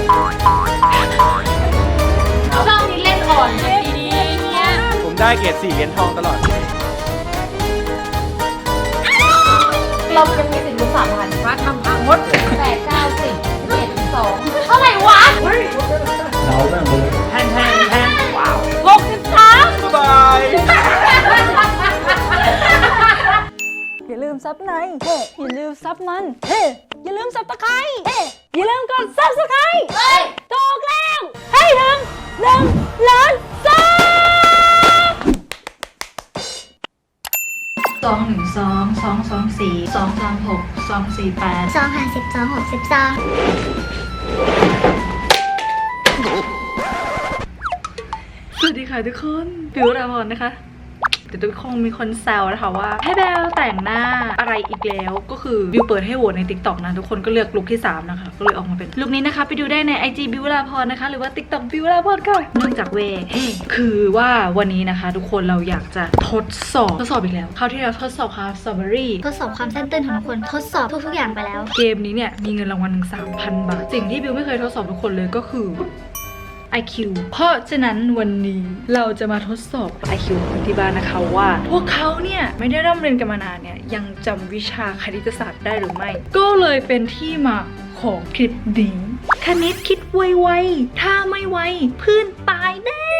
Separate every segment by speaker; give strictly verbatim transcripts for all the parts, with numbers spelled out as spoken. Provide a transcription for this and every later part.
Speaker 1: ชอบที่เล่นอ่อนเลยดีๆเนี่ย
Speaker 2: ผมได้เกรดสี่เหรียญทองตลอด
Speaker 1: เรายังมีสิทธิ์ลุ้นสามพันว่าทำพังหมดแปดเก้าสิบเจ็ดสองเท่าไหร่วะเราแม่งเลยแทนแทนแทนว้าวหกสิบสาม
Speaker 2: บาย
Speaker 3: อย่าลืมซับในเฮ้อย่าลืมซับมันเฮ้อย่าลืมซับตะไคร้เฮ้อย่าลืมกดซับสไครต์เฮ้ยถูกแล้วให้ถึงหนึ่งล้านซับ
Speaker 1: สองหนึ่งสองสองสองสี่สองสามหกสองสี่แปด
Speaker 4: สองห้าสิบสองหกสิบสอง
Speaker 3: สวัสดีค่ะทุกคนบิวราพรนะคะแต่ทุกคนมีคนแซวนะคะว่าให้แบลแต่งหน้าอะไรอีกแล้วก็คือบิวเปิดให้โหวตใน ติ๊กต็อก นะทุกคนก็เลือกลุคที่สามนะคะก็เลยออกมาเป็นลุคนี้นะคะไปดูได้ใน ไอ จี บิวราพรนะคะหรือว่า ติ๊กต็อก บิวราพรค่ะเนื่องจากเวเฮ้คือว่าวันนี้นะคะทุกคนเราอยากจะทดสอบทดสอบอีกแล้วคราวที่เราทดสอบค่ะสตรอเบอรี่
Speaker 4: ทดสอบความสั้นตื้นของทุกคนทดสอบทุกๆอย่างไปแล้ว
Speaker 3: เกมนี้เนี่ยมีเงินรางวัลถึง สามพัน บาทสิ่งที่บิวไม่เคยทดสอบทุกคนเลยก็คือไอ คิว เพราะฉะนั้นวันนี้เราจะมาทดสอบ ไอ คิว ของที่บ้านนะคะว่าพวกเขาเนี่ยไม่ได้ร่ำเรียนกันมานานเนี่ยยังจำวิชาคณิตศาสตร์ได้หรือไม่ก็เลยเป็นที่มาของคลิปนี้คณิตคิดไวๆถ้าไม่ไวเพื่อนตายแน่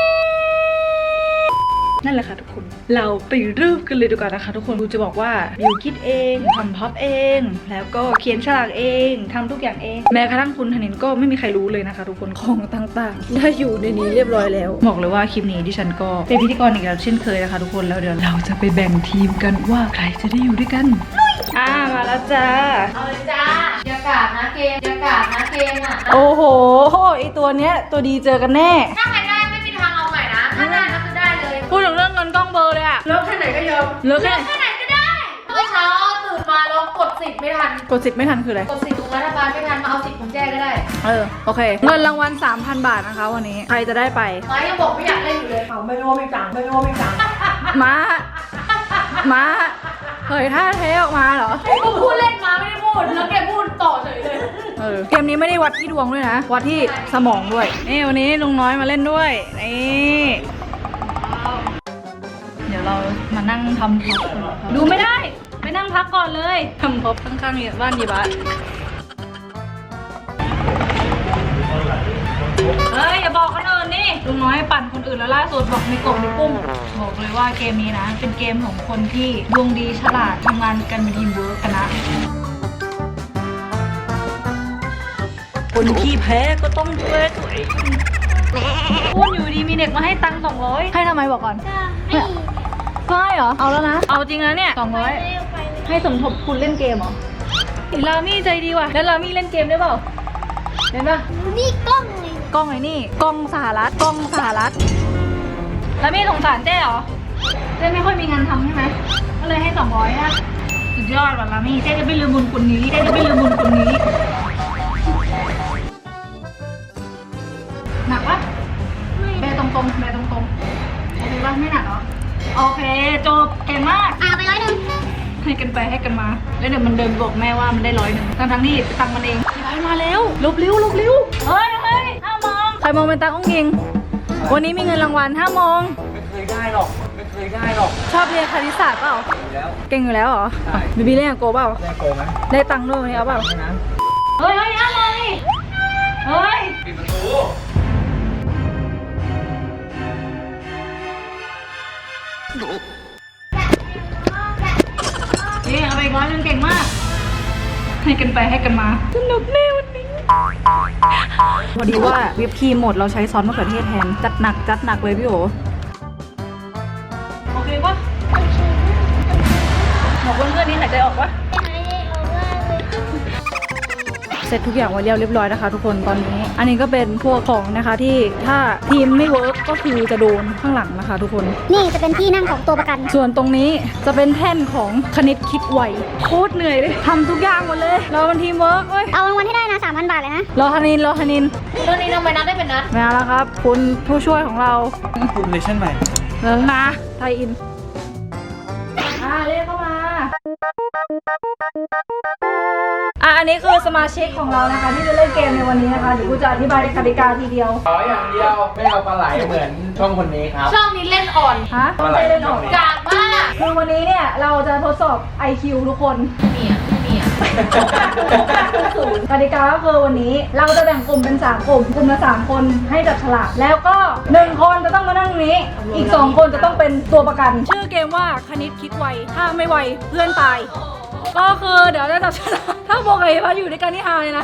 Speaker 3: นั่นแหละค่ะทุกคนเราไปเริ่มกันเลยดีกว่านะคะทุกคนบิวจะบอกว่าบิวคิดเองทำพับเองแล้วก็เขียนฉลากเองทำทุกอย่างเองแม้กระทั่งคุณธนินก็ไม่มีใครรู้เลยนะคะทุกคนของต่างๆได้อยู่ในนี้เรียบร้อยแล้วบอกเลยว่าคลิปนี้ดิฉันก็เป็นพิธีกรอีกแล้วเช่นเคยนะคะทุกคนแล้วเดี๋ยวเราจะไปแบ่งทีมกันว่าใครจะได้อยู่ด้วยกันอ่ามาแล้วจ้า
Speaker 1: เอาเลยจ้าอย่ากาดนะเกมอย่ากาดนะเกมอ่ะ
Speaker 3: โอ้โหไอตัวเนี้ยตัวดีเจอกันแน่
Speaker 1: ถ้าใครได้ไม่มีทางเอาใหม่นะถ้าได้ก็คือได้เลย
Speaker 3: พูดถึงเรื่องเงินกล้องเบอร์เลยอะ
Speaker 1: เลิกแค่ไหนก็ยอม
Speaker 3: เลิกแค่
Speaker 1: ไหนก็ได้เมื่อเช้าตื่นมาแล้วกดสิบไม่ทัน
Speaker 3: กดสิบไม่ทันคืออะไร
Speaker 1: กดสิบของรัฐบาลไม่ทันมาเอาสิบของแจ้ก็ได้
Speaker 3: เออโอเคเงินรางวัล สามพัน บาทนะคะวันนี้ใครจะได้ไป
Speaker 1: มายังบอกไม่อยากเล่นอยู่เลยเขาไม่รู้ไม่จังไม่รู้ไม่จัง
Speaker 3: มามาเฮ้ยท่าเทออกมาเหรอ
Speaker 1: กูพูดเล่นมาไม่ได้พูดแล้วแกพูดต่อเฉยเลย
Speaker 3: เออเกมนี้ไม่ได้วัดที่ดวงด้วยนะวัดที่สมองด้วยนี่วันนี้ลุงน้อยมาเล่นด้วยนี่เดี๋ยวเรามานั่งทำพ็อปดูไม่ได้ไปนั่งพักก่อนเลยทำพ็อปข้างๆบ้านยีบ้านเฮ้ยอย่าบอกคนอื่นนี่ลุงน้อยปั่นคนอื่นแล้วล่าสุดบอกมีกบมีกุ้งบอกเลยว่าเกมนี้นะเป็นเกมของคนที่ดวงดีฉลาดทำงานกันเป็นทีมเวิร์กกันนะคนที่แพ้ก็ต้องดูแลตัวเองอ้วนอยู่ดีมีเด็กมาให้ตังค์สองร้อยให้ทำไมบอกก่อนให้เหรอเอาแล้วนะเอาจริงนะเนี่ยสองร้อยให้สมทบคุณเล่นเกมเหรอลามี่ใจดีว่ะแล้วลามี่เล่นเกมได้เปล่าเห็นปะ
Speaker 4: นี่กล้องเลย
Speaker 3: กล้องไอ้นี่กล้องสหรัฐกล้องสหรัฐแล้วมี่สงสารเจ๊เหรอเจ๊ไม่ค่อยมีงานทำใช่ไหมก็เลยให้สองร้อยอะสุดยอดว่ะลามี่เจ๊จะไม่ลืมบุญคุณนี้เจ๊จะไม่ลืมบุญคุณนี้หนักปะแบตรงๆแบตรงๆโอเคปะไม่หนักเหรอโอเคจบเก่งมาก
Speaker 4: อ่าไปร้อยหนึ่ง
Speaker 3: ให้กันไปให้กันมาแล้วเดี๋ยวมันเดินบอกแม่ว่ามันได้ร้อยหนึ่งทั้งทั้งที่ตังมันเองร้อยมาแล้วลบลิ้วลบลิ้วเฮ้ยเฮ้ยห้ามองใครมองเป็นตาอ้งยิงวันนี้มีเงินรางวัลห้ามอง
Speaker 2: ไม่เคยได้หรอกไม่เคยได้หรอก
Speaker 3: ชอบเรียนคณิตศาสตร์เปล่าเก่งอยู่แล้วเหรอบีบีเล่นกับโกเปล่า
Speaker 2: ได้โกไหม
Speaker 3: ได้ตังค์ด้วยวันนี้เอาเปล่าเฮ้ยเฮ้ยห้ามองนี่เฮ้ยปิดประตูนี่เอาไปร้อยนึงเก่งมากให้กันไปให้กันมาสนุกแน่วันนี้พอดีว่าวิปครีมหมดเราใช้ซอสมะเขือเทศแทนจัดหนักจัดหนักเลยพี่โอโอเคปะบอกเพื่อนๆนี่หายใจออกปะเสร็จทุกอย่างไว้เรียบร้อยนะคะทุกคนตอนนี้อันนี้ก็เป็นพวกของนะคะที่ถ้าทีมไม่เวิร์กก็คือจะโดนข้างหลังนะคะทุกคน
Speaker 4: นี่จะเป็นที่นั่งของตัวประกัน
Speaker 3: ส่วนตรงนี้จะเป็นแท่นของคณิตคิดไวโคตรเหนื่อยเลยทำทุกอย่างหมดเลยเราเป็นทีมเวิร์กเว้ย
Speaker 4: เอารางวัลที่ได้นะ สามพัน บาทเลยนะ
Speaker 3: รอธนินรอธนิน
Speaker 1: รอธนินทำไมนัดได้เป็นนัด
Speaker 3: มาแล้วครับคุณผู้ช่วยของเรา
Speaker 2: คุณเลชั่นใหม่
Speaker 3: เริ่มนะไทยอินอ่าเรียกเข้ามาอ่ะอันนี้คือสมาชิกของเรานะคะที่จะเล่นเกมในวันนี้นะคะเดี๋ยวกูจะอธิบายกติกาทีเดียว
Speaker 2: ขออย่างเดียวไม่เอาปลาไหลเหมือนช่องคนนี้ครับ
Speaker 1: ช่องนี้เล่นอ่อน
Speaker 3: ฮะ
Speaker 2: ปลาไหล
Speaker 3: ไม่เล่นออก
Speaker 1: กากมาก
Speaker 3: คือวันนี้เนี่ยเราจะทดสอบ ไอ คิว ทุกคน
Speaker 1: เนี่ยเนี่ย
Speaker 3: กติกาก็คือวันนี้เราจะแบ่งกลุ่มเป็นสามกลุ่มกลุ่มละสามคนให้จับฉลากแล้วก็หนึ่งคนจะต้องมานั่งตรงนี้ อีกสองคนจะต้องเป็นตัวประกัน ชื่อเกมว่าคณิตคิดไวถ้าไม่ไวเพื่อนตาย ก็คือเดี๋ยวจะจับฉลากถ้าบอกไอ้พัดอยู่ในการที่ฮาเลยนะ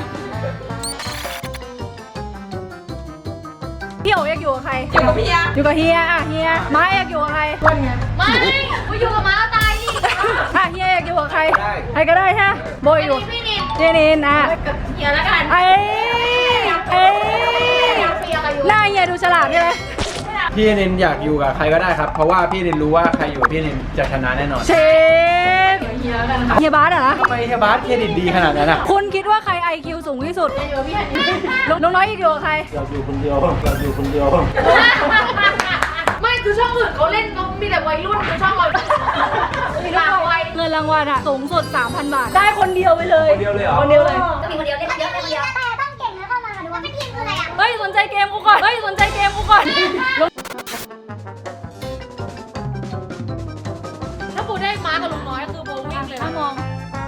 Speaker 3: พี่โอ๋อยากอยู่กับใครอยู่กับพี่ยอยู่กับเฮียอ่ะเฮียไม้อยากอยู่กับใครวันไง
Speaker 1: ไม่กูอยู่กับม้าตายดิ
Speaker 3: อ่ะเฮียอยากอยู่กับใครใครก็ได้ใช่ไหมโบยอยู่
Speaker 1: พี่นิน
Speaker 3: เจนินอ่ะ
Speaker 1: เฮียแล้วกัน
Speaker 3: ไอ้ไอ้
Speaker 1: เฟียกับอยู่
Speaker 3: หน้าเฮียดูฉลาดใช่ไหม
Speaker 2: พี่นินอยากอยู่กับใครก็ได้ครับ เพราะว่าพี่นินรู้ว่าใครอยู่กับพี่นินจะชนะแน่นอน
Speaker 3: เชฟเฮียแล้วกันค่ะเฮียบาสเหรอ
Speaker 2: ทำไมเฮียบาสเครดิตดีขนาดนั้นอ่ะ
Speaker 3: คุณคิดว่าใคร ไอ คิว สูงที่สุด
Speaker 1: อยู่กับพี่ฮันนี่
Speaker 3: น้องน้อยอีกอยู่กับใคร
Speaker 2: เราอยู่คนเดียวเราอยู่คนเดียว
Speaker 1: ไม่คือช่องอื่นเขาเล่นเขามีแต่วัยรุ่นคือช่องเรามีหลากวัย
Speaker 3: เงินรางวัลอะสูงสุด สามพัน บาท ได้คนเดียวไปเลย
Speaker 2: คนเดียวเลยเหรอ
Speaker 3: คนเดียวเลย
Speaker 4: ก็มีคนเดียวเล่นเยอะเล่นเยอะแต่ต้องเก่งแล้วเข้ามาดูว่าเป็นทีมคืออะไรอ่ะ
Speaker 3: เฮ้ย สนใจเกมกูก่อน เฮ้ย สนใจเกมกูก่อน
Speaker 1: ถ้ากูได้ม้ากับลุงน้อยคือโบวิ่งเลย
Speaker 3: ห้า
Speaker 1: นะ
Speaker 3: มอง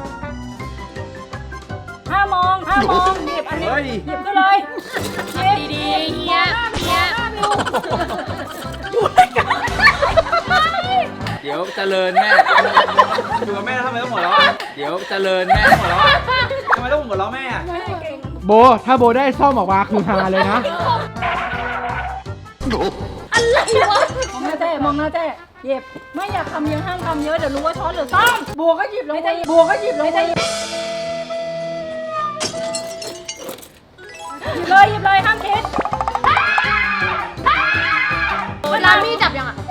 Speaker 3: ห้ามองห้ามองหยิบอันนี้
Speaker 2: เฮ้ย
Speaker 3: หยิบก็เลยหยิบ
Speaker 1: ดีๆเฮียเฮีย
Speaker 3: อยู่ด้วยกัน
Speaker 2: เดี๋ยวเจริญแม่อยู่กับแม่แล้วทำไมต้องหัวเราะเดี๋ยวเจริญแม่หัวเราะทำไมต้องหัวเราะแม่อะ
Speaker 3: ไม่เก่ง
Speaker 2: โบถ้าโบได้ซ่อมออกมาคือฮาเลยนะ
Speaker 3: อะไรวะมองหน้าเจ๊มองหน้าเจ๊หยิบไม่อยากทำเยอะห้ามทำเยอะเดี๋ยวรู้ว่าช้อนหรือซ่อมบัวก็หยิบลงไปบัวก็หยิบลงไปหยิบเลยหยิบเลยห้ามคิด
Speaker 1: เวลาพี่จับยังอ่ะ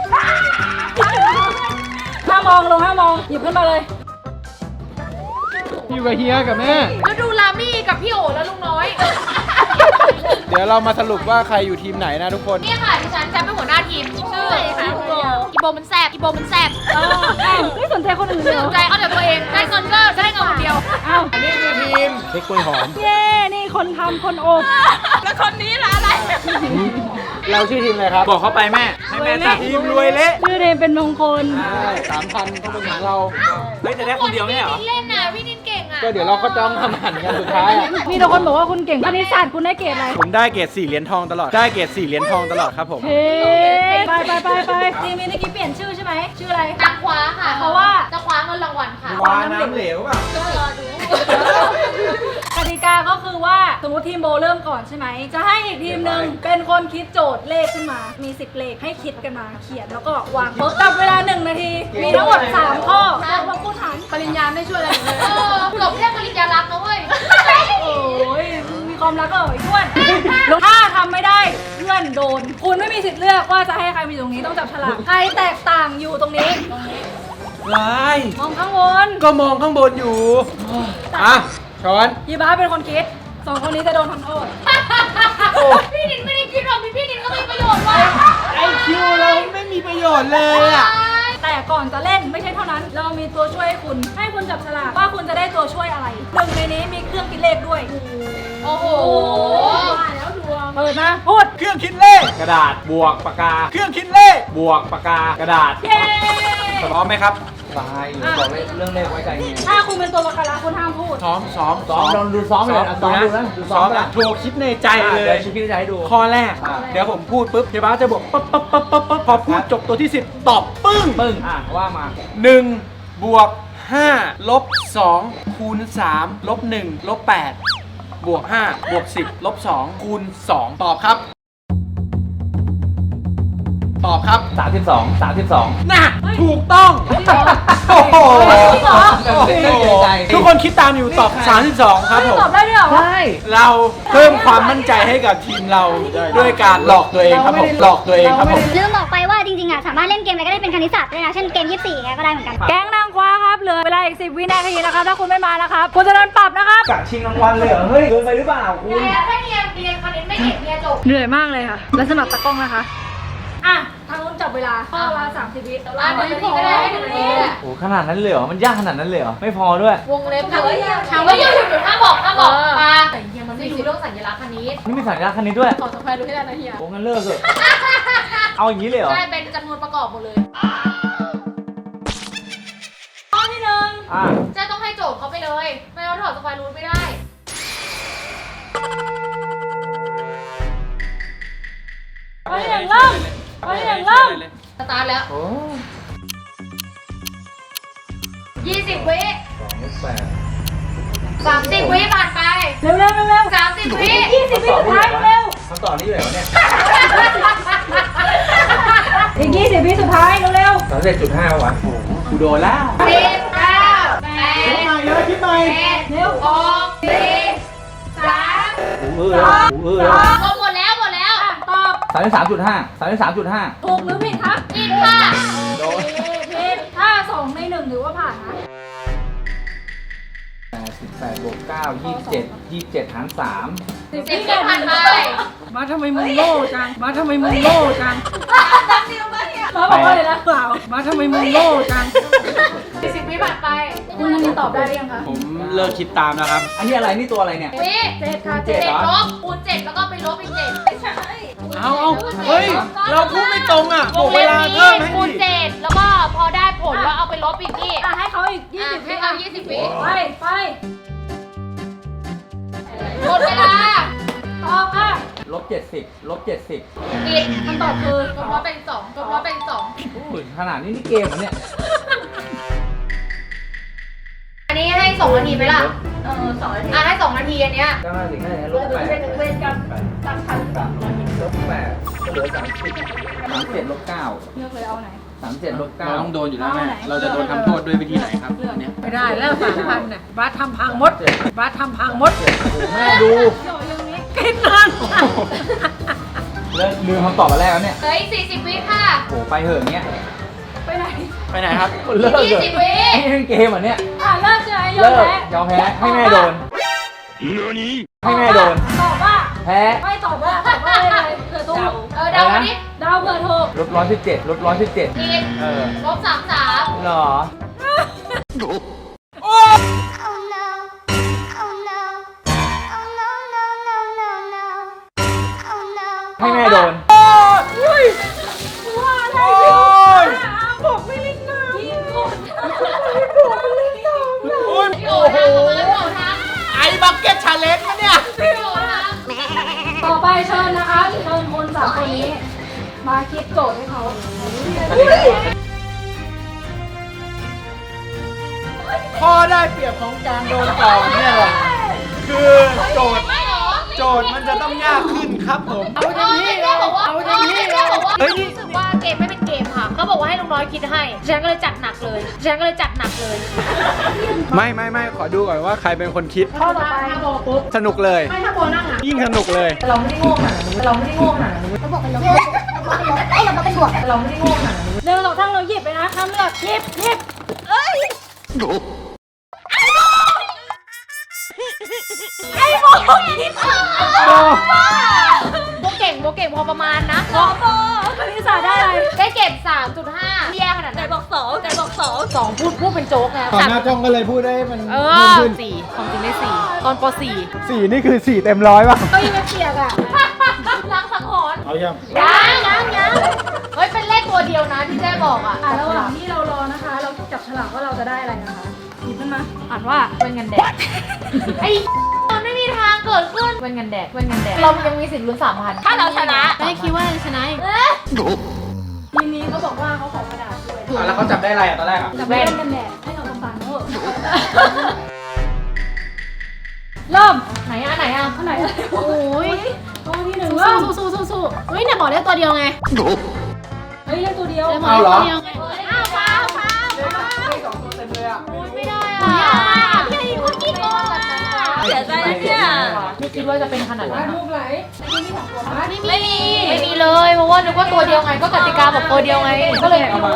Speaker 3: ห้ามมองลงห้ามมองหยิบขึ้นมาเลย
Speaker 2: อยู่กับเฮียกับแม่
Speaker 1: แล้วดูลามี่กับพี่โอแล้วลุงน้อย
Speaker 2: เดี๋ยวเรามาสรุปว่าใครอยู่ทีมไหนนะทุกคน
Speaker 1: นี่ค่ะดิฉันจะเป็นหัวหน้าทีมชื่ออีโบอีโบมันแซบอีโบมันแซบ
Speaker 3: เอออ้าวไม่สนใจคนอื่นเลยเหร
Speaker 1: ส
Speaker 3: อน
Speaker 1: ใจเอาแต่ตัวเองได้เงินก็ได้เงินคนเดียว
Speaker 3: อ้าว
Speaker 2: อันนี้คือทีมเค้กกล้วยหอม
Speaker 3: เย้นี่คนทำคนอบ
Speaker 1: แล้วคนนี้ล่ะอะไร
Speaker 2: เราชื่อทีมอะไรครับ บอกเข้าไปแม่ ให้แม่ตัดทีมรวยเละ
Speaker 3: ชื่อเรนเป็นมงคล
Speaker 2: ใช่สามพันต้องเป็นของเรา เฮ้ยแต่ได้คนเดียวไม่เหรอ
Speaker 1: พี่นินเล่นน่ะพี่นินเก่งอ่ะ
Speaker 2: ก็เดี๋ยวเราก็จ้องทำหันกันสุดท้ายอะ
Speaker 3: มีแต่คนบอกว่าคุณเก่งคณิตศาสตร์คุณได้เกรดอะไร
Speaker 2: ผมได้เกรดสี่เหรียญทองตลอด ได้เกรดสี่เหรียญทองตลอดครับผม
Speaker 3: เฮ้ไปไปไปไปทีมนี้เมื่อกี้เปลี่ยนชื่อใช่ไหมชื่ออะไร
Speaker 1: นางคว้าค่ะ
Speaker 3: เพราะว่า
Speaker 1: จะคว้าเงินรางวัลค่ะ
Speaker 2: วาน้ำเหลวป่ะ
Speaker 1: ก็รอดู
Speaker 3: กติกาก็คือว่าสมมติทีมโบเริ่มก่อนใช่ไหมจะให้อีกทีมหนึ่งเป็นคนคิดโจทย์เลขขึ้นมามีสิบเลขให้คิดกันมาเขียนแล้วก็วางจับเวลาหนึ่งนาทีมีทั้งหมดสามข้อแล้วมาพูดหันปริญญาไม่ช่วยอะไรเลย
Speaker 1: เออจบแค่ปริญญารักนะเว้ย
Speaker 3: โอ้ยมีความรักก็เหรอไอ้อ้วนถ้าทำไม่ได้เพื่อนโดน คุณไม่มีสิทธิ์เลือกว่าจะให้ใครมาอยู่ตรงนี้ต้องจับฉลากใครแตกต่างอยู่ตรงนี้ตรงนี้
Speaker 2: ลาย
Speaker 3: มองข้างบน
Speaker 2: ก็มองข้างบนอยู่ อ่ะ ช้อน
Speaker 3: ยีบ้าเป็นคนคิดสองคนนี้จะโดนทำโทษ
Speaker 1: พี่นินไม่ได้คิดหรอกพี่นินก็มีประโยชน์ว่ะ
Speaker 2: ไอคิวเราไม่มีประโยชน์เลยอ่ะ
Speaker 3: แต่ก่อนจะเล่นไม่ใช่เท่านั้น เรามีตัวช่วยให้คุณ ให้คุณจับฉลากว่าคุณจะได้ตัวช่วยอะไรหนึ่งในนี้มีเครื่องคิดเลขด้วย
Speaker 1: โอ้โห
Speaker 3: แล้วดวงเปิดมาพูด
Speaker 2: เครื่องคิดเลข กระดาษ บวกปากกา เครื่องคิดเลข บวกปากกา กระดาษ
Speaker 3: เย้
Speaker 2: พร้อมไหมครับตายบอกเลยเรื่องเลขไว้ใจเงี้ย
Speaker 3: ถ้าคุณเป็นตัวประกันแล้วคุณห้ามพูด
Speaker 2: ซ้อมซ้อม
Speaker 5: ซ้อมลองดูซ้อมเลยอ่ะซ้อมดูนะดูซ้
Speaker 2: ซ้อ
Speaker 5: อ
Speaker 2: ม
Speaker 5: ม
Speaker 2: นะ
Speaker 5: นะ
Speaker 2: โชว์คิดในใจเลย
Speaker 5: เดี๋ยวชิคกี้พายให้ดู
Speaker 2: ข้อแรก
Speaker 5: อ่า
Speaker 2: เดี๋ยวผมพูดปุ๊บเฮียบ้าสจะบอกปั๊บปั๊บปั๊บปั๊บปั๊บพอพูดจบตัวที่สิบตอบปึ้ง
Speaker 5: ปึ้ง อ่ะ ว่ามา
Speaker 2: หนึ่งบวกห้าลบสองคูณสามลบหนึ่งลบแปดบวกห้าบวกสิบลบสองคูณสองตอบครับ ตอบครับ
Speaker 5: สามสิบสอง สามสิบสอง
Speaker 2: น่ะถูกต้อง โอ้โห
Speaker 3: จริงเหรอ
Speaker 5: เล่นเยอะใจ
Speaker 2: ทุกคนคิดตามอยู่ตอบ สามสิบสอง ครับผม
Speaker 3: ตอบได้ด้วยเหรอ
Speaker 5: ใช่
Speaker 2: เราเพิ่มความมั่นใจให้กับทีมเราด้วยการหลอกตัวเองครับผมหลอกตัวเองครับผม
Speaker 4: ลืมบอกไปว่าจริงๆอ่ะสามารถเล่นเกมอะไรก็ได้เป็นคณิตศาสตร์ด้วยนะเช่นเกมยี่สิบสี่ไงก็ได้เหมือนกัน
Speaker 3: แก๊งนางคว้าครับเหลือเวลาอีกสิบวินาทีนะครับถ้าคุณไม่มานะครับคุณจะโดนปรับนะครับ
Speaker 5: กะชิงรางวัลเลยเหรอ เฮ้ยเกินไปหรือเปล่าคุณ
Speaker 1: แต่ถ้าเรียนเรียนคณิตไม่เก่งเรียนจบ
Speaker 3: เหนื่อยมากเลยค่ะ และสมัครตะกล้องนะคะ อ่ะ ทางนู้นจับเว
Speaker 1: เวลาข้อละสามสิบวิอ่ะหนึ่งนาทีก็ได้ให้หนึ่งนาทีแหละ
Speaker 5: โอ้ขนาดนั้นเลยเหรอ มันยากขนาดนั้นเลยเหรอ ไม่พอด้วย
Speaker 1: วงเล็บถามว่าถามว่าอยู่หยุดห้ามบอกห้ามบอกมาแต่เฮียมันมีเรื่องสัญลักษณ์คณิต
Speaker 5: นี่มีสัญลักษณ์คันนี้ด้วย
Speaker 1: ขอสควอร์รูทให้ได้นะเฮีย
Speaker 5: โอ้งั้นเลิกเถอะ เอาอย่างนี้เลยเหรอ
Speaker 1: ใช่เป็นจำนวนประกอบหมดเลย
Speaker 3: ข้อที่หนึ่ง
Speaker 5: อ่ะ
Speaker 1: เจ๊ต้องให้โจทย์เขาไปเลย ไม่งั้นถอดสควอร์รูทไม่ได้
Speaker 3: ข้อที่หนึ่งเริ่มข้อที่หนึ่งเริ่ม
Speaker 1: สตาร์ทแล้ว
Speaker 5: โอ้
Speaker 1: ยี่สิบวิ
Speaker 5: สองแปด
Speaker 1: สามสิบวิผ่านไป
Speaker 3: เร็วเร็วเร็วเร็ว
Speaker 1: สามสิบวิ
Speaker 3: ยี่สิบวิสุดท้ายเร็ว
Speaker 5: คำตอบนี้อยู่ไหนวะเนี่ย
Speaker 3: อีกยี่สิบวิสุดท้ายเร็วเร็ว
Speaker 5: สามสิบจุดห้าวะโอ้โหกูโดนแล้ว
Speaker 1: สิบเก้าแปด
Speaker 5: เยอะคิดใหม่
Speaker 1: เจ็ดหกสี่สาม
Speaker 5: กูเออแล้วกูเออแล้ว
Speaker 1: ก็หมดแล้วหมดแล้ว
Speaker 3: ตอบ
Speaker 5: สามสิบสามจุดห้าสามสิบสามจุดห้า
Speaker 3: ถูกหรือผิดครับ
Speaker 1: ผิดค่ะ
Speaker 5: โดน
Speaker 3: ผิดถ้าสองในหนึ่งถือว่าผ่านนะ
Speaker 5: แปดสิบแปดบวกเก้ายี่สิบเจ็ดยี่สิบเจ็ดหารสาม
Speaker 1: สิบวิผ่านไป
Speaker 6: มาทำไมมึงโง่จัง มาทำไมมึงโง่จัง
Speaker 3: มาบอกว่าเลยนะเปล่า
Speaker 6: มาทำไมมึงโง่จัง
Speaker 1: สิบวิผ่านไป
Speaker 3: คุณนันตอบได้หรือยังคะ
Speaker 2: ผมเลิกคิดตามแล้วครับ
Speaker 5: อันนี้อะไรนี่ตัวอะไรเนี่ย
Speaker 1: วิ
Speaker 3: เจ็ดค่ะ
Speaker 5: เจ็
Speaker 1: เจ็
Speaker 5: ด
Speaker 1: ด
Speaker 5: เหรอ
Speaker 1: ลบคูณเจ็ดแล้วก็ไปลบอีกเจ็ด
Speaker 2: เอาเอาเฮ้ย เราพูดไม่ตรงอ่ะ
Speaker 1: ว
Speaker 2: บอก
Speaker 1: ง
Speaker 2: เว
Speaker 1: เล็บ
Speaker 2: ลา
Speaker 1: นี้
Speaker 2: เพิ่มให้
Speaker 1: คูณ
Speaker 2: ดิ
Speaker 1: เจ็ดแล้วก็พอได้ผลแล้วเอาไปลบอีกนี่
Speaker 3: อ่ะให้เขาอีกยี่
Speaker 1: อ่ะ
Speaker 3: สิบวิ
Speaker 1: ให้เอายี่สิบวิ
Speaker 3: ไปไป
Speaker 1: หมดเวลา
Speaker 3: ตอบค่ะ
Speaker 5: ลบเจ็ดสิบลบเจ็ดสิบ
Speaker 1: ผิดคำตอบคือลบร้อยเป็นสองลบร้อยเป็นสอง
Speaker 5: ขนาดนี้นี่เกมเหรอเนี่ย
Speaker 1: อันนี้ให้สองนาทีไหมล่ะ
Speaker 3: เออสองนาที
Speaker 1: อ่ะให้สองนาทีอันเนี้ย
Speaker 5: ก็น่าสิงได้ลบแปด
Speaker 3: เวรกรรมตั้งคัน
Speaker 5: สามลบแปดก็เหลือสามสิบสามเจ็ดลบเก้า
Speaker 3: เลือกเลยเอาไหน
Speaker 5: สามเจ็ดลบเก้า
Speaker 2: เราต้องโดนอยู่แล้วแม่ เราจะโดนทำโทษด้วยวิธีไหนครับอันเนี้ย
Speaker 6: ไม่ได้แล้วสามพันน่ะบาสทำพังหมดบาสทำพังหมด
Speaker 5: แม่ดู
Speaker 6: กินนาน
Speaker 5: เลิกลืมคำตอบมาแรกแล้วเนี่ย
Speaker 1: เหลืออีกสี่สิบวิค่ะ
Speaker 5: โหไปเหอะอย่างเงี้ย
Speaker 3: ไปไหน
Speaker 2: ไปไหนครับ
Speaker 5: เลิก
Speaker 1: ยี่
Speaker 5: เถอะ
Speaker 1: สิบวิ
Speaker 5: นี่เล่นเกมเหรอเนี่ย
Speaker 3: อ่ะเลิกใช่ไหมยอ
Speaker 5: เลิ
Speaker 3: ม
Speaker 5: ก
Speaker 3: แพ้
Speaker 5: ยอมแพ้ให้แม่โดนให้แม่โดน
Speaker 3: ตอบว่า
Speaker 5: แพ้
Speaker 3: ไม่ตอบว่าตอบว่าอะไรเลยเผื่อถูก
Speaker 1: เออเดามาดิ
Speaker 3: เดาวเผื่อถูก
Speaker 5: ลบร้อยสิบเจ็ดลบร้อยสิบเจ็ด
Speaker 1: ผิด
Speaker 5: เออ
Speaker 1: ลบสามสาม
Speaker 5: เหรอ
Speaker 4: Oh no. Oh no. Oh no, no, no, no, no. Oh no.
Speaker 5: ให้แม่โดน
Speaker 3: ว่าอะไรพี่บอกไม่เล่นน้ำพี่คนบอกไม่เล่นน้ำ
Speaker 2: โอ้ย
Speaker 1: พี่โอ๋ทำออกมาพี่โอ๋ท
Speaker 2: ไอ้บักเก็ตชาเลนจ์นะเนี่ย
Speaker 1: ำพี่โอ๋ท
Speaker 3: ต่อไปเชิญนะคะเชิญคนสามคนนี้ มาคิดโจทย์ให้เขา
Speaker 2: ข้อได้เปรียบของการโดนต่อเนี่ยแหละคือโจทย์
Speaker 1: ำไม่หรอ
Speaker 2: โจทย์มันจะต้องยากขึ้นครับผม
Speaker 1: เอาเต็มที่แล้วบอกว่า
Speaker 2: เอา
Speaker 1: เอา
Speaker 2: เต็
Speaker 1: เต็
Speaker 2: ม
Speaker 1: ม
Speaker 2: ที่
Speaker 1: ที่แล้วบอกว่า
Speaker 2: เฮ้ยนี่
Speaker 1: รู้สึกว่าเกมไม่เป็นเกมค่ะเขาบอกว่าให้ลุงน้อยคิดให้ฉันก็เลยจัดหนักเลยฉันก็เลยจัดหนักเลย
Speaker 2: ไม่ไม่ไม่ขอดูก่อนว่าใครเป็นคนคิด
Speaker 3: ข้อต่อไปถ้าโบปุ๊บ
Speaker 2: สนุกเลย
Speaker 3: ไม่ถ้าโบนั่งอ่ะ
Speaker 2: ยิ่งสนุกเลย
Speaker 3: เราไม่ได้โง่ขนาดนั้นเราไม่ได้โง่ขนาดนั้น
Speaker 4: เขาบอกเป็นลบเขาบอกเป็นลบเอ้ยเราเป็นบวก
Speaker 3: เราไม่ได้โง่ขนาดนั้นเร็วสองทั้งเราหยิบไปนะห้ามเลือกหยิบหยิบเอ้ยไอ้โบคิดอ่ะ
Speaker 1: โบเก่งโบเก่งพอประมาณนะ
Speaker 3: โบโบคณิตศาสตร์ได้อะไร
Speaker 1: ได้เก็บ สามจุดห้า แย่ขนาด
Speaker 3: ไหน
Speaker 1: นั้น
Speaker 3: บอกสองไหนบอกสอง
Speaker 1: สองพูดพูดเป็นโจ๊กไง
Speaker 2: ขอหน้าจ้องก็เลยพูดได้มัน
Speaker 1: เอ
Speaker 2: เพิ่ม
Speaker 1: อ
Speaker 2: ขึ้น
Speaker 1: สี่ความจริงได้สี่ตอนปสี่
Speaker 2: สี่นี่คือสี่เต็มร้อยป่ะ
Speaker 3: ก็ยังไม่เปียกอ่ะ
Speaker 1: ล้างสังหรณ์
Speaker 2: เอายัง
Speaker 1: ยังยังยังเฮ้ย เป็นเลขตัวเดียวนะที่แจ้บอกอ่ะ
Speaker 3: อ่ะระหว่างที่เรารอนะคะ เราจับฉลากว่าเราจะได้อะไรนะคะหยิบขึ้นมาอ่านว่า
Speaker 1: เป็นเงินแดด ไอ้มันไม่มีทางเกิดขึ้นเป็นเงินแดดเป็นเงินแดด เรายังมีสิทธิ์ลุ้นสามพันถ้าเราชนะไม่คิดว่าจะชนะอีก
Speaker 3: ทีนี้เขาบอกว่าเขาขอกระดาษด้วย
Speaker 2: อ่ะแล้วเขาจับได้อะไรอ่ะตอนแรกอ่ะ
Speaker 3: จับเล่นกันแดดให้เราต้องการเถอะเริ่ม
Speaker 1: ไหนอ่ะไหนอ่ะ
Speaker 3: อันไหนอะไร
Speaker 1: โอ้ย
Speaker 3: ตัวที่หนึ่งเริ่ม
Speaker 1: สู้สู้สู้สู้เฮ้ยเนี่ยบอกได้ตัวเดียวไง
Speaker 3: เฮ้ยเล่นตัวเดียว
Speaker 2: เอาเหรอ
Speaker 1: อ้าวเปล่าเปล่า
Speaker 2: สองตัวเต็มเลยอ่ะ
Speaker 1: โอ้ยไม่ได้อ่ะพี่ไอ้คนคิดโกงแบบนั้นอ่ะ
Speaker 3: เสียใจนะเนี่ย
Speaker 1: ไม่คิดว่าจะเป็นขนาดนั้น
Speaker 3: ลูกไหลในที่มีสองตัวไหม
Speaker 1: ไม่มี ไม่มีเลย เพราะว่านึกว่าตัวเดียวไง ก็กติกาบอกตัวเดียวไง ก็เลยไม่รู้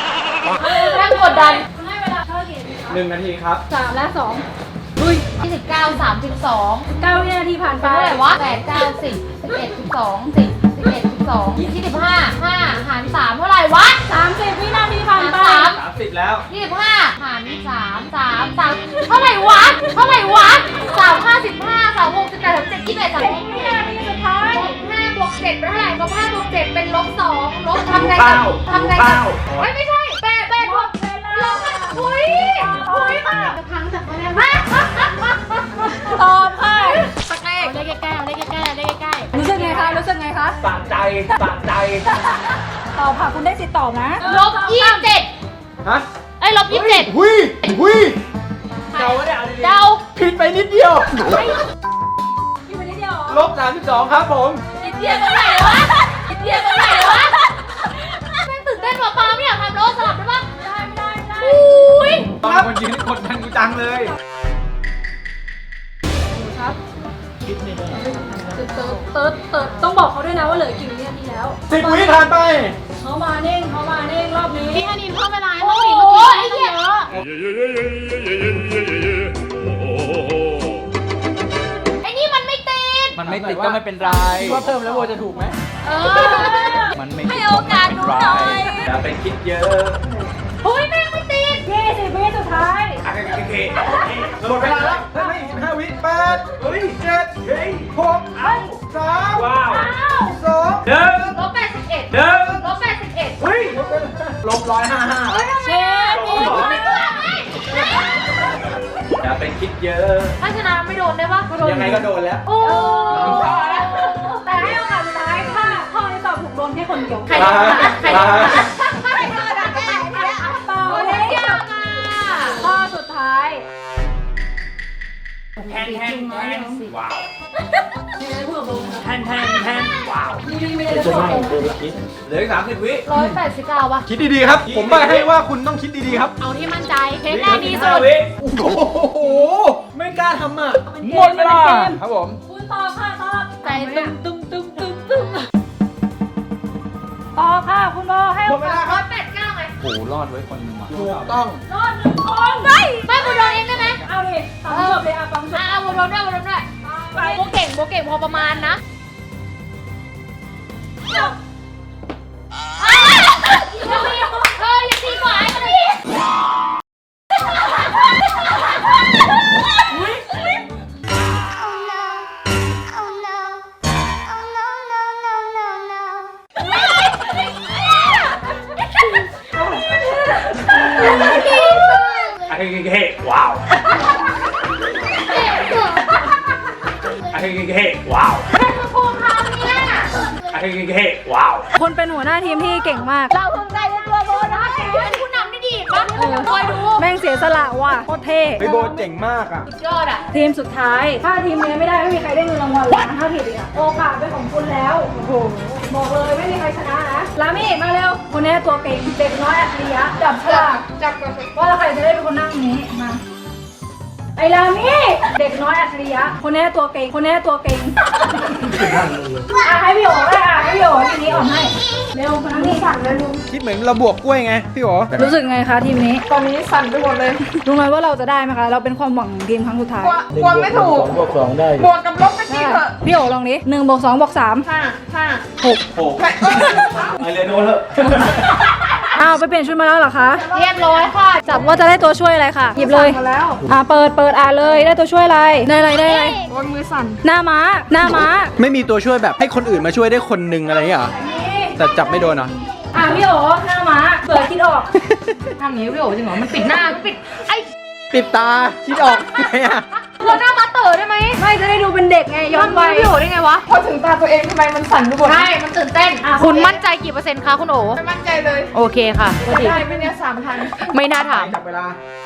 Speaker 1: แรงกดดัน
Speaker 3: ให้เวลาเท่ากี่
Speaker 2: หนึ่งนาทีครับ
Speaker 3: สามและสอง
Speaker 1: ยี่สิบเก้าาสามสิบสอง
Speaker 3: เก้าวินาทีผ่านไป
Speaker 1: เป็นเท่าไหร่วะแปดเก้าสิบสิบเอ็ดสิบสองสิบสิบเอ็ดสิบสองยี่สิบห้าห้าหารสามเท่าไหร่วะ
Speaker 3: สามสิบวินาทีผ่านไป
Speaker 1: สาม
Speaker 2: สามสิบแล้ว
Speaker 1: ยี่สิบห้าหารสามสามสามเท่าไหร่วะเท่าไหร่วะสามห้าสิบห้าสามหกสิบแปดสามเจ็ดยี่สิบเอ็ดสามสิบ
Speaker 3: วินาทีสุดท้าย
Speaker 1: ลบห้าบวกเจ็ดเป็นเท่าไหร่ลบห้าบวกเจ็ดเป็นลบสองลบทำไง
Speaker 2: ข้าว
Speaker 1: ทำไง
Speaker 2: ข้าว
Speaker 1: ไม่ไม่ใช่แปดแปดบวกลบห้าอุ้ยอุ้ยจะพังจากอะไรมา
Speaker 3: ตอบค่ะ
Speaker 1: สักเลขเลขใกล้ๆเลขใกล้ๆเลขใกล้
Speaker 3: รู้สึกไงคะ รู้สึกไงคะ
Speaker 2: สะใจสะใจ
Speaker 3: ตอบค่ะ คุณได้สิทธิ์ตอบนะ
Speaker 1: ๆลบยี่สิบเจ็ด
Speaker 2: ฮะ
Speaker 1: เอ้ยลบยี่สิบเจ็ด
Speaker 2: หุยหุยเดาเนี่ย
Speaker 1: เดา
Speaker 2: ผิดไปนิดเดียว
Speaker 3: พี่ไปนิดเดียว
Speaker 2: ลบสามสิบสองครับผม
Speaker 1: อินเดียตรงไหนวะอินเดียตรงไหนวะแม่งตื่นเต้นว่ะปาไม่อยากทำโน้ตสลับได้ปะ
Speaker 3: ได้ไม่ได้ไม่ได้
Speaker 1: อุ้ย
Speaker 2: ตอนคนยืนกดดันกูจังเลย
Speaker 5: คิดไม่ได้
Speaker 3: ตึ๊ดตึ๊ดตึ๊ดตึ๊ดต้องบอกเขาด้วยนะว่าเหลือกี่วินาทีแล้ว
Speaker 2: สิบวิผ่านไป
Speaker 3: เขามาเน่งเขามาเน่งรอบนี้
Speaker 1: พี่อนินเพิ่มเวลาให้
Speaker 3: โอ้
Speaker 1: ต้อง
Speaker 3: โห
Speaker 1: หนีเมื่อกี้
Speaker 3: ไอ้เหี้ย
Speaker 1: เยอะไอ้นี่มันไม่ติด
Speaker 2: มันไม่ติดก็ไม่เป็นไรว่าเพิ่มแล้วโวจะถูกไหม
Speaker 1: เออ
Speaker 2: มันไม่
Speaker 1: ให้โอกาสหนูหน่อย
Speaker 2: อย่าไปคิดเยอะ
Speaker 1: เฮ้ยแม่งไม่ติด
Speaker 3: ยี่สิบวิสุดท้าย
Speaker 2: โอเคหมดเวลาแล้วไม่สิบห้าวิแปดเฮ้ยเจ็ดเฮ้ยหกเอ้าสามว้าวสองหนึ่ง
Speaker 1: ลบแปดสิบเอ็ด
Speaker 2: หนึ่ง
Speaker 1: ลบแปดสิบเอ็ด
Speaker 2: เฮ้ยลบร้อยห้าห้า
Speaker 3: เชฟ
Speaker 1: ไม่ตัวไหม
Speaker 2: อย่าไปคิดเยอะ
Speaker 1: ถ้าชนะไม่โดนได้ปะ
Speaker 2: ยังไงก็โดนแล้ว
Speaker 1: โอ้
Speaker 3: แต่ให้โอกาสสุดท้ายถ้าข้อนี้ตอบถูกโดนแค่คนเดียว
Speaker 1: ใครโดนอะใครโดนอะ
Speaker 3: ต่อ
Speaker 1: โอ้
Speaker 3: เลย
Speaker 1: ยยากอ่ะ
Speaker 3: ข้อสุดท้าย
Speaker 2: แทนแทนแทนว้าวแทนแทนแทนว้าว
Speaker 5: จะไม่โดนคิด
Speaker 2: เหลืออีกสามสิบวิ
Speaker 1: ร้อยแปดสิบเก้าปะ
Speaker 2: คิดดีๆครับ ผมใบให้ว่าคุณต้องคิดดีๆครับ
Speaker 1: เอาที่มั่นใจเพลงแรกดีสุด
Speaker 2: โอ้โห ไม่กล้าทำอ่ะหมดเวลาครับผม
Speaker 3: คุณตอบค่ะตอบ
Speaker 1: ใจตุ้มตุ้มตุ้มตุ้มตุ้ม
Speaker 3: ตอบค่ะ คุณโบให้
Speaker 2: หม
Speaker 3: โอ
Speaker 2: ดเว
Speaker 3: กา
Speaker 2: ลา
Speaker 3: ส
Speaker 2: ครับ
Speaker 1: แปดเก้าไง
Speaker 2: โอ้รอดไว้คนหนึงว่ะถูกต้อง
Speaker 3: รอดหนึ่งคน
Speaker 1: ไม่ไม่กูโดนเองได้ไหม
Speaker 3: เอาดิตอบจบเลยอ่ะฟังจบ
Speaker 1: อ่าโบโดนด้วยโบโดนด้วยโบเก่งโบเก่งพอประมาณนะเอออย่าตีกว่าไอ้คนนี้
Speaker 4: Oh no. Oh no. Oh no, no, no, no, no.
Speaker 2: ไอ้เฮ้ว้าวไอ้เฮ้ว้าวไอ้เฮ้ว้าว
Speaker 3: คุณเป็นหัวหน้าทีมที่เก่งมาก
Speaker 1: เราภูมิใจในตัวโบนะเป็นผู้นำที่ดีปะคอยดู
Speaker 3: แม่งเสียสละว่ะโคตรเท่
Speaker 2: เฮ้ยโบเจ๋งมากอ่ะ
Speaker 1: สุดยอดอ่ะ
Speaker 3: ทีมสุดท้าย ถ้าทีมนี้ไม่ได้ไม่มีใครได้เงินรางวัลเลยนะถ้าผิดอีกอะโอกาสเป็นของคุณแล้วโอ้โหบอกเลยไม่มีใครชนะนะลามี่มาเร็วคนนี้ตัวเก่งเด็กน้อยอัจฉริยะจับฉลาก
Speaker 1: จับก่อน
Speaker 3: ว่าใครจะได้เป็นคนนั่งนี้มาไอ้ลามี่เด็กน้อยอัจฉริยะคนนี้ตัวเก่งคนนี้ตัวเก่งอ่ะให้พี่โอ๋ได้อ่ะให้พี่โอ๋ทีนี้ออกให้เร็วคนนั่งนี่สั่งเลยลุง
Speaker 2: คิดเหมือนเราบวกกล้วยไงพี่โอ๋
Speaker 3: รู้สึกไงคะทีมนี้ ตอนนี้สั่นไปหมดเลย รู้ไหมว่าเราจะได้ไหมคะ เราเป็นความหวังของทีมครั้งสุดท้าย
Speaker 5: กลัวไม่ถูกสองบวกสองได้อยู่
Speaker 3: ได้พี่โอ๋ลองดิหนึ่งบวกสองบวกสามห้าห้าหก
Speaker 2: โอ้ไอเรโน่เถอะ
Speaker 3: อ้าวไปเปลี่ยนชุดมาแล้วเหรอคะ
Speaker 1: เรียบร้อยค่ะ
Speaker 3: จับว่าจะได้ตัวช่วยอะไรค่ะ หยิบเลยอ่าเปิดเปิดอ่านเลยได้ตัวช่วยอะไร ได้อะไรได้อะไรโอนมือสั่น หน้าม้า หน้าม้า
Speaker 2: ไม่มีตัวช่วยแบบให้คนอื่นมาช่วยได้คนหนึงอะไรอย่างเงี้ยเหรอแต่จับไม่โดนเหรอ
Speaker 3: อ่าพี่โอ๋หน้าม้าเปิดคิดออก
Speaker 1: ทำอย่างนี้พี่โอ๋จริงเหรอ มันปิดหน้ามันปิด ไอ้
Speaker 2: ปิดตาคิดออกไงอ่ะ
Speaker 1: เราหน้ามาเต๋อได้ไหม
Speaker 3: ไม่จะได้ดูเป็นเด็กไงย้อนวัย
Speaker 1: พี่โอ๋ได้ไงวะ
Speaker 6: พอถึงตาตัวเองทำไมมันสั่นไปหมด
Speaker 1: ใช่ มันตื่นเต้น
Speaker 3: อ่ะ
Speaker 1: คุณมั่นใจกี่เปอร์เซ็นต์คะคุณโอ๋
Speaker 6: ไม่มั่นใจเลย
Speaker 1: โอเคค่ะ
Speaker 6: ได้ไหมเนี่ยสามพัน
Speaker 1: ไม่น่าถาม
Speaker 2: จับเวลา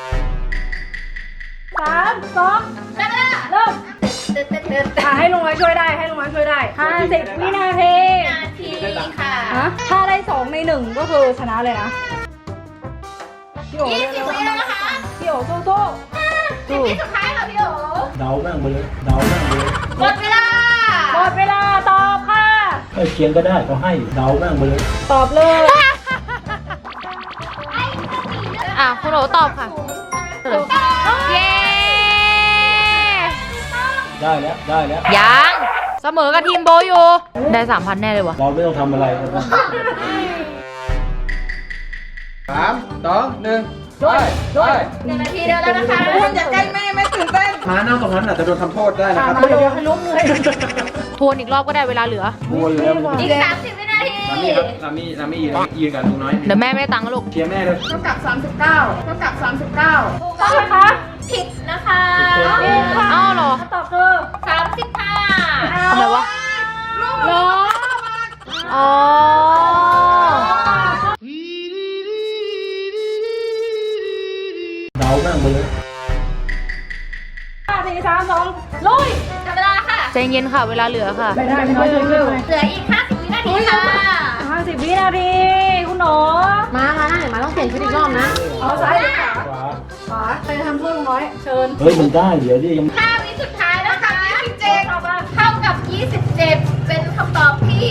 Speaker 3: สามสองเริ่มอ่าให้ลุงน้อยช่วยได้ให้ลุงน้อยช่วยได้ห้าสิบวินาที
Speaker 1: นาทีค่ะ
Speaker 3: ฮะถ้าได้สองในหนึ่งก็คือชนะเลยนะพี่โอ๋
Speaker 1: ยี่สิ
Speaker 3: เร็
Speaker 1: บ
Speaker 3: ว
Speaker 1: วิแล้วนะคะ
Speaker 3: ๆพี่โอ๋สู้ๆสู้
Speaker 1: สิบวิสุดท้ายค่ะพี่โอ๋
Speaker 5: เดาแม่งไปเลยเดาแม่งไปเลย
Speaker 1: หมดเวลา
Speaker 3: หมดเวลาตอบค่ะ
Speaker 5: ใกล้เคียงก็ได้เขาให้เดาแม่งไปเลย
Speaker 3: ตอบเลย
Speaker 1: อ่ะคุณโอ๋ตอบค่ะ เย้
Speaker 5: ได้แล้วได้แล้ว
Speaker 1: ยังเสมอกับทีมโบอยู่ ได้สามพันแน่เลยวะ
Speaker 5: เราไม่ต้องทำอะไร
Speaker 2: สามสองหนึ่งด้วยด้วย
Speaker 1: หนึ่งนาทีเดียวแล้วนะคะ
Speaker 6: คุณอย่าใกล้แม่แม่ตื่นเต้น
Speaker 2: มานั่งตรงนั้นอาจจะโดนทำโทษได้นะครับ
Speaker 6: เดี๋ยวให้ลุกเลย
Speaker 1: ทวนอีกรอบก็ได้เวลาเหลือ
Speaker 2: โวนแล้ว
Speaker 1: อีกสามสิบวินาที
Speaker 2: นามี่ครับนามี่นามี่ยืนยืนกับลุงน้อย
Speaker 1: เดี๋ยวแม่ไม่ได้ตังค์นะลูก
Speaker 2: เชียร์แม่เลย
Speaker 6: เท่ากับสามสิบเก้าเท่ากับสามสิบเก้า
Speaker 1: ต้องไหมคะ ผิดนะคะอ้าวเหรอ
Speaker 6: ตอบคือ
Speaker 1: สามสิบห้าทำไมวะ
Speaker 6: เหรอ
Speaker 1: อ๋อ
Speaker 5: เดาแม่งไปเลย
Speaker 6: ห้าสี่สามสองลุย
Speaker 1: จับเวลาค่ะใจเย็นค่ะ เวลาเหลือค่ะ
Speaker 6: ไม่ได้ไม่ได้เร็วเร็ว
Speaker 1: เหลืออีกห้าสิบวินาทีค่ะ
Speaker 6: ห้าสิบวินาทีคุณหนู
Speaker 1: มามาเดี๋ยวมาต้องเปลี่ยนชุดอีกรอบนะ
Speaker 6: เอาซ้ายหรือขวา
Speaker 5: ขวา
Speaker 6: ขวาใครจะทำโทษลุงน้อย เชิญ
Speaker 5: เฮ้ยมันได้เดี๋ยวดิยัง
Speaker 1: ห้าวิสุดท้ายแล้วค่ะ
Speaker 6: ยี่สิบเจ็ดเอามา
Speaker 1: เท่ากับยี่สิบเจ็ดเป็นคำตอบที่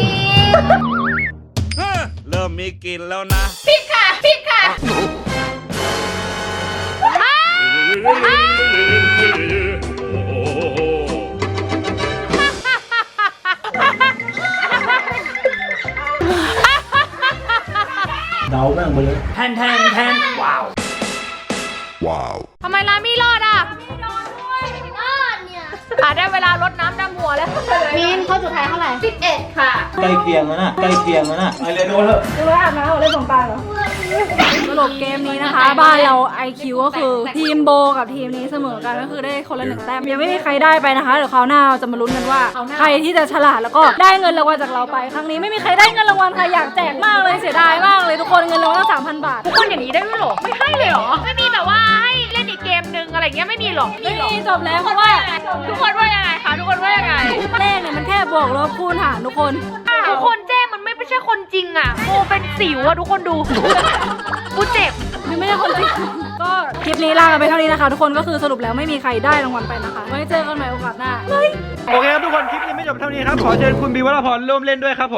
Speaker 7: เริ่มมีกลิ่นแล้วนะ
Speaker 1: ผิดค่ะผิดค่ะอ้าวอ้าว
Speaker 5: เดาแม่งไปเลย
Speaker 2: แทนแทนแทนว้าว
Speaker 1: ทำไมร้านไม่รอดอ่ะรอดด้วยรอดเนี่ยอ่ะได้เวลารดน้ำดำหัวแล้วมีนข้อสุดท้ายเท่าไหร่สิบเอ็ดค่ะ
Speaker 5: ใกล้เคียงแล้วนะใกล้เคียงแล้วนะไอเรโดนเถอะ
Speaker 6: ดูว่าอาบน้ำเหรอเล่นสงกรานต์เหรอสรุปเกมนี้นะคะ บ้านเรา ไอ คิว ก็คือทีมโบกับทีมนี้เสมอกันก็คือได้คนละหนึ่งแต้มยังไม่มีใครได้ไปนะคะเดี๋ยวคราวหน้าเราจะมาลุ้นกันว่า ใครที่จะฉลาดแล้วก็ได้เงินรางวัลจากเราไปครั้งนี้ไม่มีใครได้เงินรางวัลค่ะอยากแจกมากเลยเสียดายมากเลยทุกคนเงินรางวัลตั้งสามพันบาท
Speaker 1: ทุกคนอย่างนี้ได้ด้วยเหรอ ไม่ให้เลยเหรอ ไม่มีแบบว่าให้เล่นอีกเกมนึงอะไรเงี้ยไม่มีหรอ
Speaker 6: ไม่มีจบแล้วเพราะว่า
Speaker 1: ทุกคนว่ายังไงคะทุกคนว่ายังไง
Speaker 6: เลขเนี่ยมันแค่บวกลบคูณหารทุกคน
Speaker 1: ทุกคนแจ้งมันไม่ใช่คนจริงอ่ะโมเป็นสิวอ่ะทุกคนดูกูเจ็บ
Speaker 6: นี่ไม่ใช่คนจริง ก็คลิปนี้ลากันไปเท่านี้นะคะ ทุกคนก็คือสรุปแล้วไม่มีใครได้รางวัลไปนะคะไว้เจอกันใหม่โอกาสหน้า
Speaker 2: โอเคครับทุกคนคลิปยังไม่จบเท่านี้ครับขอเชิญคุณบีวรพรร่วมเล่นด้วยครับผม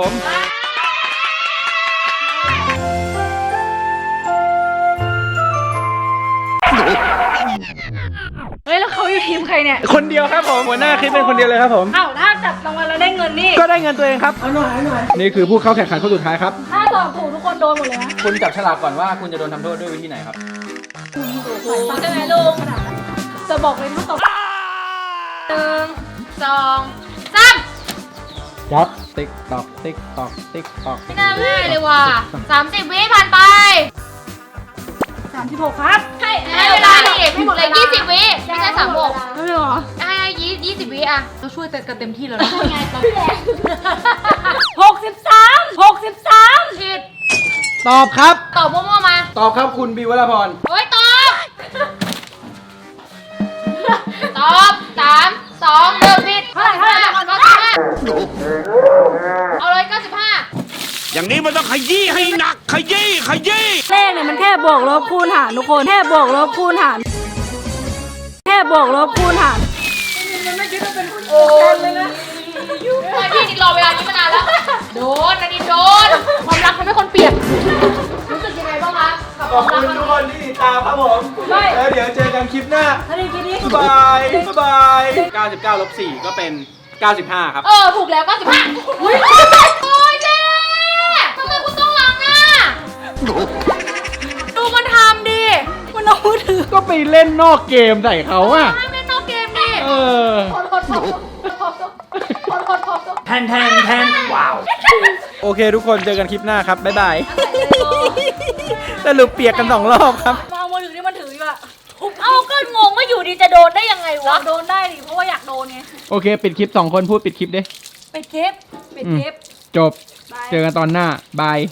Speaker 6: เฮ้ยแล้วเขาอยู่ทีมใครเนี่ย
Speaker 2: คนเดียวครับผมหัวหน้าคลิปเป็นคนเดียวเลยครับผม
Speaker 6: อ้าวถ้าจับรางวัลแล้วได้เงินนี่
Speaker 2: ก็ได้เงินตัวเองครับเอาหน่อยหน่อยนี่คือผู้เข้าแข่งขันคนสุดท้ายครับ
Speaker 6: ถ้าตอบถูกทุกคนโดนหมดเลยนะ
Speaker 2: คุณจับฉลากก่อนว่าคุณจะโดนทำโทษด้วยวิธีไหนครับ
Speaker 6: ใช่ไหมลูกจะบอกเลยถ้าตอบ
Speaker 1: หนึ่งสองสาม
Speaker 5: จับ
Speaker 2: ติ๊กตอกติ๊กตอกติ๊กตอก
Speaker 1: ไม่น่าง่ายเลยว่ะสามสิบวิผ่านไป
Speaker 6: สามสิบหกครับ
Speaker 1: ให้ให้เวลาดิเหลือยี่สิบวิไม่ใช่สามหก
Speaker 6: ไม่เหรอ
Speaker 1: ให้ยี่ยี่สิบวิอ่ะเราช่วยกันเต็มที่แล้วนะ
Speaker 6: หกสิบสามหกสิบสาม
Speaker 1: ผิด
Speaker 2: ตอบครับ
Speaker 1: ตอบมั่วๆมา
Speaker 2: ตอบครับคุณบีวรพร
Speaker 1: โอ้ยตอบ ตอบสามสองหนึ่งผิด
Speaker 6: เท่าไหร่เท่าไหร่
Speaker 1: เก้าสิบห้าเอาเลยเก้าสิบห้า
Speaker 7: อย่างนี้มันต้องขยี้ให้หนัก ขยี้ขยี้
Speaker 6: เลขเนี่ยมันแค่บวกลบคูณหารทุกคนแค่บวกลบคูณหารแค่บวกลบคูณหาร
Speaker 1: โอ้ยพี่นิดรอเวลานี้มานานแล้ว โดนนันนิดโดน ความรักทำให้คนเปลี่ยน รู้สึกยังไงบ้างคะกับ
Speaker 2: ข
Speaker 1: ค
Speaker 2: อบ
Speaker 1: วามรัก
Speaker 2: คุณทุกคนที่ติดตามครับผมแล้วเดี๋ยวเจอกันคลิปหน้า
Speaker 6: ถ้าได้กินนี้
Speaker 2: บ๊ายบายบ๊ายบายเก้าสิบเก้าลบสี่ก็เป็นเก้าสิบห้าครับ
Speaker 1: เออ ถูกแล้วเก้าสิบห้าโอ้ยเจ๊ทำไมคุณต้องรังอ่ะ ดูมันทำดิ
Speaker 6: มันเอามือถือ
Speaker 2: ก็ไปเล่นนอกเกมใส่เขาอะ
Speaker 1: ห้ามเล่นนอกเกมดิ
Speaker 2: เออ แทนแทนแทนว้าว โอเคทุกคนเจอกันคลิปหน้าครับ บ๊ายบาย สรุปเปียกกันสองรอบครับ
Speaker 6: มาเอามือถือที่มันถืออยู่อะ
Speaker 1: เอ้าก็งงว่าอยู่ดีจะโดนได้ยังไงวะ
Speaker 6: โดนได้ดิเพราะว่าอยากโดนไง
Speaker 2: โอเค ปิดคลิปสองคนพูดปิดคลิปดิ
Speaker 6: ปิดคลิปปิดคลิป
Speaker 2: จบ เจอกันตอนหน้า บาย